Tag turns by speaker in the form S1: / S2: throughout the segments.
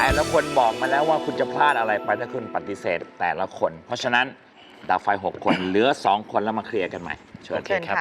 S1: ละคนบอกมาแล้วว่าคุณจะพลาดอะไรไปถ้าคุณปฏิเสธแต่ละคน เพราะฉะนั้นดับไฟ6 คนเหลือ2 คนแล้วมาเคลียร์กันใหม่เชิญครับ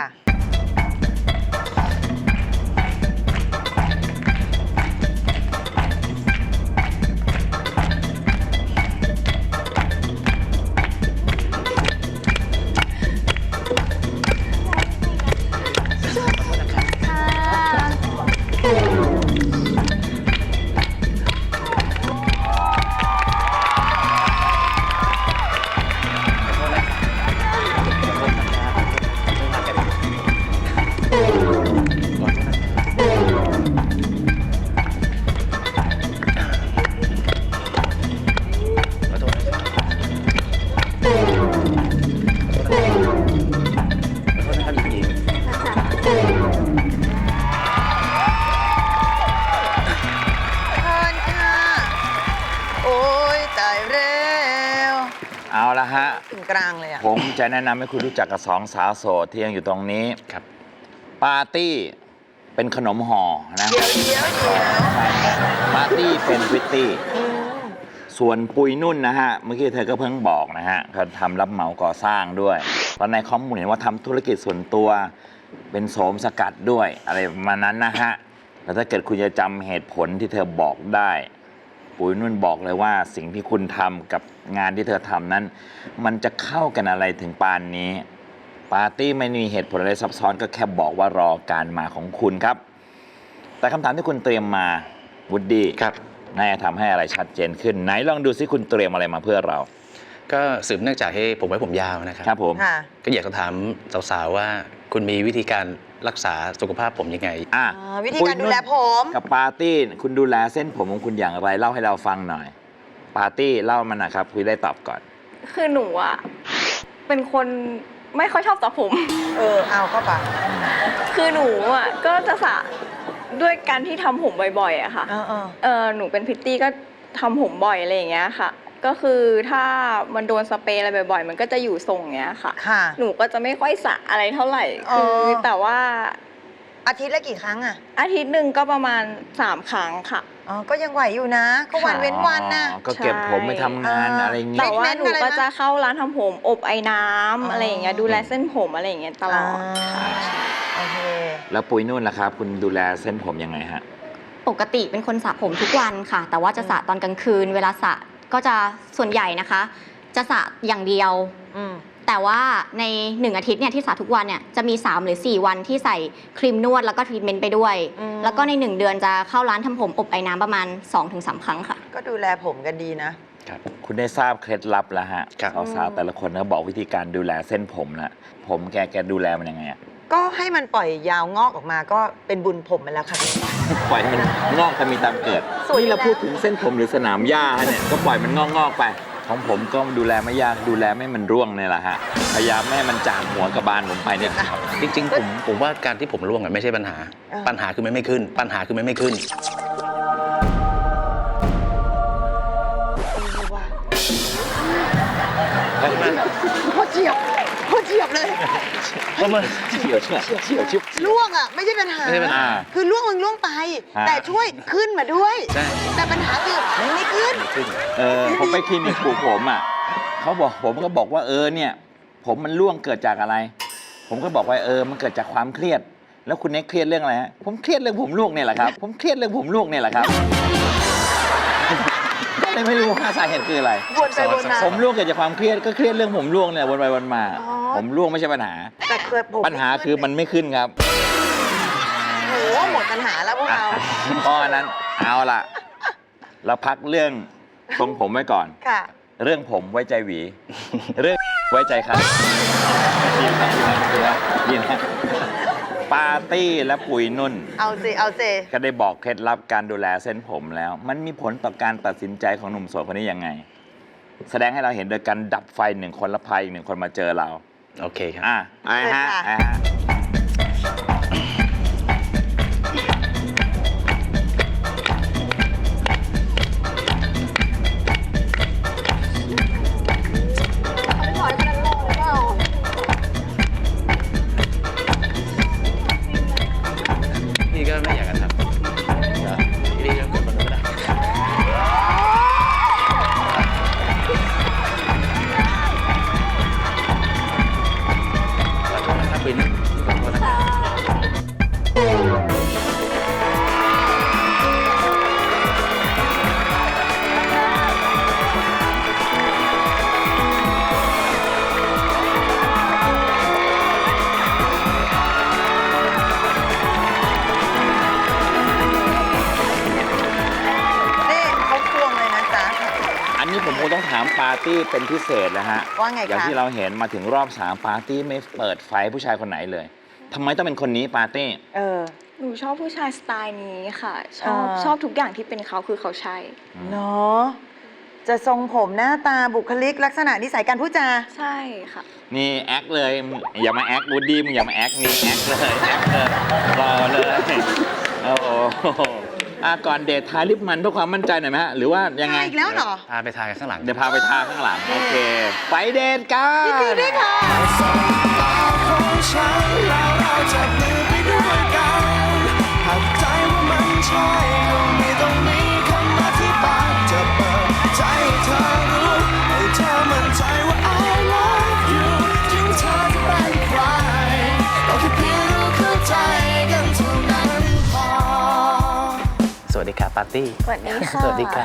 S1: เอาละฮะ
S2: ถึงกลางเลยอ่ะ
S1: ผมจะแนะนำให้คุณรู้จักกับ2 สาวโสดที่ยังอยู่ตรงนี้ครับปาร์ตี้เป็นขนมห่อนะปาร์ตี้เป็นพริตตี้ส่วนปุยนุ่นนะฮะเมื่อกี้เธอก็เพิ่งบอกนะฮะเขาทำรับเหมาก่อสร้างด้วยตอนในข้อมูลเห็นว่าทำธุรกิจส่วนตัวเป็นโสมสกัดด้วยอะไรประมาณนั้นนะฮะแล้วถ้าเกิดคุณจะจำเหตุผลที่เธอบอกได้ปุยนุ่นบอกเลยว่าสิ่งที่คุณทำกับงานที่เธอทำนั้นมันจะเข้ากันอะไรถึงปานนี้ปาร์ตี้ไม่มีเหตุผลอะไรซับซ้อนก็แค่บอกว่ารอการมาของคุณครับแต่คำถามที่คุณเตรียมมาวูดดี้ครับน่าจะทำให้อะไรชัดเจนขึ้นไหนลองดูซิคุณเตรียมอะไรมาเพื่อเรา
S3: ก็สืบเนื่องจากให้ผมไว้ผมยาวนะครับ
S1: ครับผม
S3: ก็อยากจะถามสาวๆว่าคุณมีวิธีการรักษาสุขภาพผมยังไง
S2: วิธีการดูแลผม
S1: กับปาร์ตี้คุณดูแลเส้นผมของคุณอย่างไรเล่าให้เราฟังหน่อยปาร์ตี้เล่ามันนะครับคุยได้ตอบก่อน
S4: คือหนูอ่ะเป็นคนไม่ค่อยชอบสระผม
S2: เอาเข้าไป
S4: คือหนูอ่ะก็จะสระด้วยการที่ทำผมบ่อยๆอะค่ะหนูเป็นพิตตี้ก็ทำผมบ่อยอะไรอย่างเงี้ยค่ะก็คือถ้ามันโดนสเปรย์อะไรบ่อยๆมันก็จะอยู่ทรงเงี้ยค่ะหนูก็จะไม่ค่อยสระอะไรเท่าไหร่คือแต่ว่า
S2: อาทิตย์ละกี่ครั้งอะ
S4: อาทิตย์หนึ่งก็ประมาณ3 ครั้งค่ะ
S2: ก็ยังไหวอยู่นะก็วันเว้นวันนะ
S1: ก็เก็บผมไปทำงานอะไรอย่างเงี้ย
S4: แต่ว่าหนูก็จะเข้าร้านทำผมอบไอ้น้ำอะไรอย่างเงี้ยดูแลเส้นผมอะไรอย่างเงี้ยตลอด
S2: โอเค
S1: แล้วปุยนุ่นล่ะครับคุณดูแลเส้นผมยังไงฮะ
S5: ปกติเป็นคนสระผมทุกวันค่ะแต่ว่าจะสระตอนกลางคืนเวลาสระก็จะส่วนใหญ่นะคะจะสระอย่างเดียวแต่ว่าใน1 อาทิตย์เนี่ยที่สระทุกวันเนี่ยจะมี3 หรือ 4 วันที่ใส่ครีมนวดแล้วก็ทรีทเมนต์ไปด้วยแล้วก็ใน1 เดือนจะเข้าร้านทำผมอบไอ้น้ำประมาณ 2-3 ครั้งค่ะ
S2: ก็ดูแลผมกันดีนะ
S1: คุณได้ทราบเคล็ดลับแล้วฮะสาวๆแต่ละคนเขาบอกวิธีการดูแลเส้นผมนะผมแกดูแลมันยังไง
S2: ก็ให้มันปล่อยยาวงอกออกมาก็เป็นบุญผมไปแล้วค่ะ
S1: ปล่อยให้มันงอกตามมีตามเกิดนี่เราพูดถึงเส้นผมหรือสนามหญ้าเนี่ยก็ปล่อยมันงอกไปของผมก็ดูแลไม่ยากดูแลไม่มันร่วงเนี่ยแหละฮะพยายามไม่ให้มันจางหัวกระบาลผมไปเนี่ย
S3: จริงๆผมว่าการที่ผมร่วงไม่ใช่ปัญหาคือมันไม่ขึ้นปัญหาคือมันไม่ขึ้น
S2: พอเฉียบเลย
S1: ก็มันเฉียว
S2: ล่วงอ่ะไม่ใช่ปัญหาคือล่วงมึงล่วงไปแต่ช่วยขึ้นมาด้วยแต่ปัญหาคือไม่ขึ้น
S1: ผมไปคลินิกปลูกผมอ่ะผมก็บอกว่าเนี่ยผมมันร่วงเกิดจากอะไรผมก็บอกว่ามันเกิดจากความเครียดแล้วคุณเน็กเครียดเรื่องอะไรฮะผมเครียดเรื่องผมร่วงเนี่ยแหละครับผมเครียดเรื่องผมร่วงเนี่ยแหละครับไม่รู้ว่าสาเหตุคืออะไร
S2: วนไปวนมา
S1: ผมร่วงเกิดจากความเครียดก็เครียดเรื่องผมร่วงเนี่ยวนไปวนมาผมร่วงไม่ใช่ปัญหา
S2: แต่
S1: ปัญหาคือมันไม่ขึ้นครับ
S2: โอ้หมดปัญหาแล้วพวกเรา
S1: เพราะนั้นเอาล่ะเราพักเรื่องทรงผมไว้ก่อนเรื่องผมไว้ใจหวีเรื่องไว้ใจครับยินนะปาร์ตี้และปุยนุ่น
S2: เอาสิ
S1: ก็ได้บอกเคล็ดลับการดูแลเส้นผมแล้วมันมีผลต่อการตัดสินใจของหนุ่มโสดคนนี้ยังไงแสดงให้เราเห็นโดยการดับไฟ1 คนและพาอีก1 คนมาเจอเรา
S3: โอเคครับ
S1: ฮะ
S3: พี่ก็ไม่อยากจะทำพี่ยังกดมันก็ได้
S1: ต้องถามปาร์ตี้เป็นพิเศษนะฮะ
S2: ว่าไงคะ
S1: อย่างที่เราเห็นมาถึงรอบ3ปาร์ตี้ไม่เปิดไฟผู้ชายคนไหนเลยทำไมต้องเป็นคนนี้ปาร์ตี้
S4: หนูชอบผู้ชายสไตล์นี้ค่ะ ชอบ
S2: อ่า
S4: ชอบทุกอย่างที่เป็นเขาคือเขาใช่
S2: เนาะจะทรงผมหน้าตาบุคลิกลักษณะนิสัยการพูดจา
S4: ใช่ค่ะ
S1: นี่แอคเลยอย่ามาแอควูดดี้มึงอย่ามาแอคนี่แอคเลยแอคเลยรอเลยโอ้โหก่อนเดททาลิปมันเพื่อความมั่นใจหน่อยไหมฮะหรือว่ายังไง
S2: อีกแล้วเหรอ
S3: พาไปทานกันข้างหลัง
S1: เดี๋ยวพาไปทาข้างหลังโอเคไปเดทกัน
S2: ยินดีด้วยค่ะ
S6: ของฉันแล้วเราจับมือไปด้วยกันหากใจว่ามันใช่ก็ไม่ต้องมีคำอธิบายจะเปิดใจให้เธอรู้ให้เธอมั่นใจว่า I love you ถึงเธอจะเป็นใครก็แค่เพียงรู้เข้าใจกันเท่านั้นพอ
S3: สวัสดีครับปาร์ตี้
S4: สวัสดีค่ะ
S3: สวัสดีค่ะ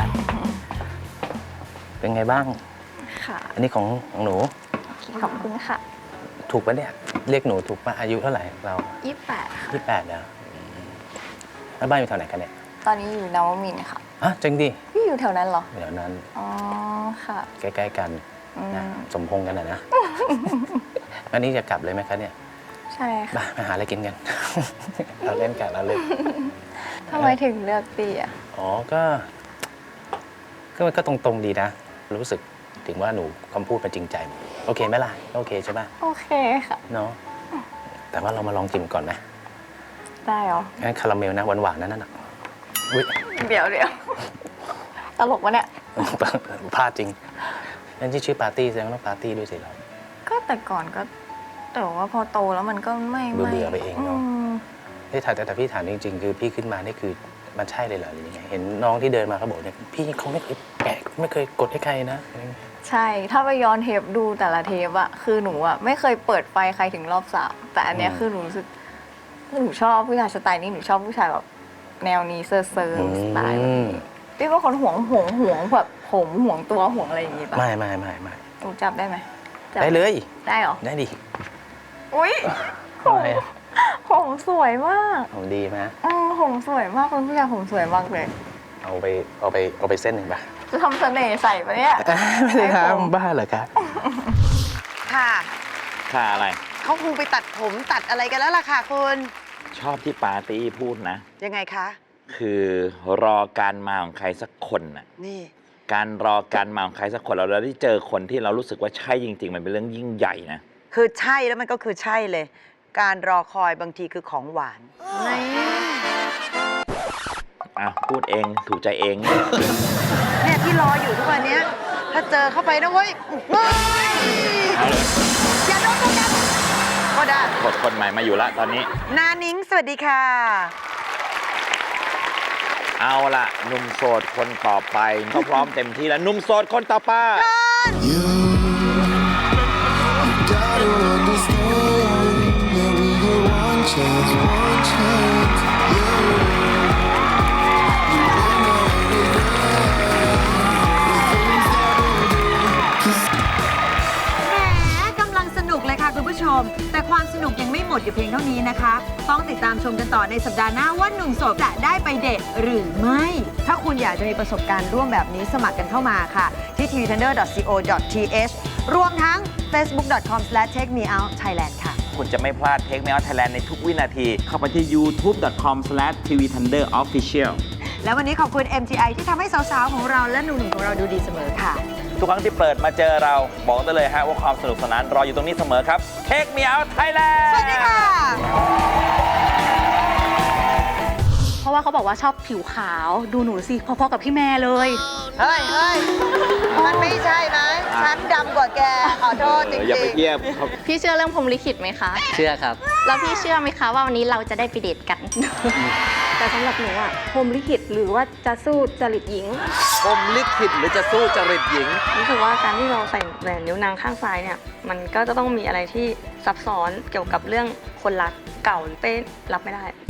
S3: เป็นไงบ้าง
S4: ค่ะ
S3: อันนี้ของหนู
S4: ขอบคุณค่ะ
S3: ถูกปะเนี่ยเรียกหนูถูกปะอายุเท่าไหร่เรา
S4: 28ค่ะ
S3: 28แล้วแล้วบ้านอยู่แถวไหนกันเนี่ย
S4: ตอนนี้อยู่นวมินทร์ค่ะ
S3: ฮะจริงดิ
S4: พี่อยู่แถวนั้นเหรอ
S3: เดี๋ยวนั้น
S4: อ๋อ ค่ะ
S3: ใกล้ๆกัน
S4: อืม
S3: นะสมพงษ์กันนะ วันนี้จะกลับเลยไหมคะเนี่ย
S4: ใช่ค่ะ
S3: มาหาอะไรกินกัน เราเล่นกันเราเล่น
S4: ทำไมถึงเลือกตีอ่ะ
S3: อ๋อก็ตรงๆดีนะ รู้สึกถึงว่าหนูคำพูดมันจริงใจ โอเคไหมล่ะ โอเคใช่ปะ
S4: โอเคค่ะ
S3: เนาะ แต่ว่าเรามาลองกินก่อนไหม
S4: ได้เหรอ
S3: งั้นคาราเมลนะหวานๆนั่นน่ะอุ๊ย
S4: เดี๋ยวตลกวะเนี่ย
S3: พลาดจริง นั่นที่ชื่อปาร์ตี้แสดงว่าต้องปาร์ตี้ด้วยสิเรา
S4: ก็แต่ก่อนก็ แต่ว่าพอโตแล้วมันก็ไม่
S3: เบื่อๆไปเองเนอะ
S4: ม
S3: แต่พี่ถามจริงๆ คือพี่ขึ้นมานี่คือมันใช่เลยเหรอหรือยังไง เห็นน้องที่เดินมาเขาบอกเนี่ยพี่เขาไม่เคยแปะไม่เคยกดให้ใครนะอะไรอย่างเงี้ย
S4: ใช่ ถ้าไปย้อนเทปดูแต่ละเทปอะคือหนูอะไม่เคยเปิดไฟใครถึงรอบ3แต่อันเนี้ยคือหนูรู้สึกหนูชอบผู้ชายสไตล์นี้หนูชอบผู้ชายแบบแนวนี้เซอร์สไตล์แบบนี้พี่เป็นคนห่วงแบบผมห่วงตัวห่วงอะไรอย่างงี้ปะ
S3: ไม่
S4: หนูจับได้ไหมจับ
S3: ได้เลย
S4: ได้เหรอ
S3: ได้ดิ
S4: อุ้ย
S3: ทำไมอะ
S4: ผมสวยมาก
S3: ผมดีไหม
S4: ผมสวยมากเป็นผู้ชายผมสวยมากเลย
S3: เอาไปเส้นหนึ่งป่ะ
S4: จะทำเสน่ห์ใส่ปะเนี่ย
S3: ไม่ได้ครับ
S4: ไอ้ผม
S3: บ้าเหรอครับ
S2: ค่ะ
S1: ค่าอะไร
S2: เขาคงไปตัดผมตัดอะไรกันแล้วล่ะค่ะคุณ
S1: ชอบที่ปาร์ตี้พูดนะ
S2: ยังไงคะ
S1: คือรอการมาของใครสักคนน่ะ
S2: นี่
S1: การรอการมาของใครสักคนเราได้เจอคนที่เรารู้สึกว่าใช่จริง ๆ มันเป็นเรื่องยิ่งใหญ่นะ
S2: คือใช่แล้วมันก็คือใช่เลย การรอคอยบางทีคือของหวาน
S1: พูดเองถูกใจเอง
S2: เนี่ยที่รออยู่ทุกวันเนี้ยถ้าเจอเข้าไปนะเว้ยเฮ้ย
S1: เอาเลย
S2: อย่าโดนตัวกันก็ได้
S1: กดคนใหม่มาอยู่ละตอนนี้
S2: นานิ้งสวัสดีค่ะ
S1: เอาละหนุ่มโสดคนต่อไปเขาพร้อมเต็มที่แล้วหนุ่มโสดคนต่อไป
S6: You gotta understand that we get one chance.
S2: แหมกำลังสนุกเลยค่ะคุณผู้ชม แต่ความสนุกยังไม่หมดอยู่เพียงเท่านี้นะคะ ต้องติดตามชมกันต่อในสัปดาห์หน้าว่าหนุ่มโสดจะได้ไปเดทหรือไม่ ถ้าคุณอยากจะมีประสบการณ์ร่วมแบบนี้สมัครกันเข้ามาค่ะ ที่ tvtender.co.th รวมทั้ง facebook.com/takemeoutthailand ค่ะ
S1: คุณจะไม่พลาด Take Me Out Thailand ในทุกวินาที เข้าไปที่ youtube.com/tvthunderofficial
S2: แล้ววันนี้ขอบคุณ MTI ที่ทำให้สาวๆของเราและหนุ่มๆของเราดูดีเสมอค่ะ
S1: ทุกครั้งที่เปิดมาเจอเราบอกได้เลยฮะว่าความสนุกสนานรออยู่ตรงนี้เสมอครับ Take Me Out Thailand
S2: สวัสดีค่ะ
S5: เพราะว่าเขาบอกว่าชอบผิวขาวดูหนูสิพอๆกับพี่แม่เลย
S2: เฮ้ยมันไม่ใช่ไหมฉันดำกว่าแก ขอโทษจริงๆ
S1: อย่าไปเทียบเขา
S5: พี่เชื่อเรื่องพรหมลิขิตไหมคะ
S3: เชื่อครับ
S5: แล้วพี่เชื่อไหมคะว่าวันนี้เราจะได้ไปเดทกัน แต่สำหรับหนูอะพรหมลิขิตหรือว่าจะสู้จริตหญิง
S1: พรหมลิขิตหรือจะสู้จริตหญิง
S7: รู้สึกว่าการที่เราใส่แหวนนิ้วนางข้างซ้ายเนี่ยมันก็จะต้องมีอะไรที่ซับซ้อนเกี่ยวกับเรื่องคนรักเก่าเป้รับไม่ได้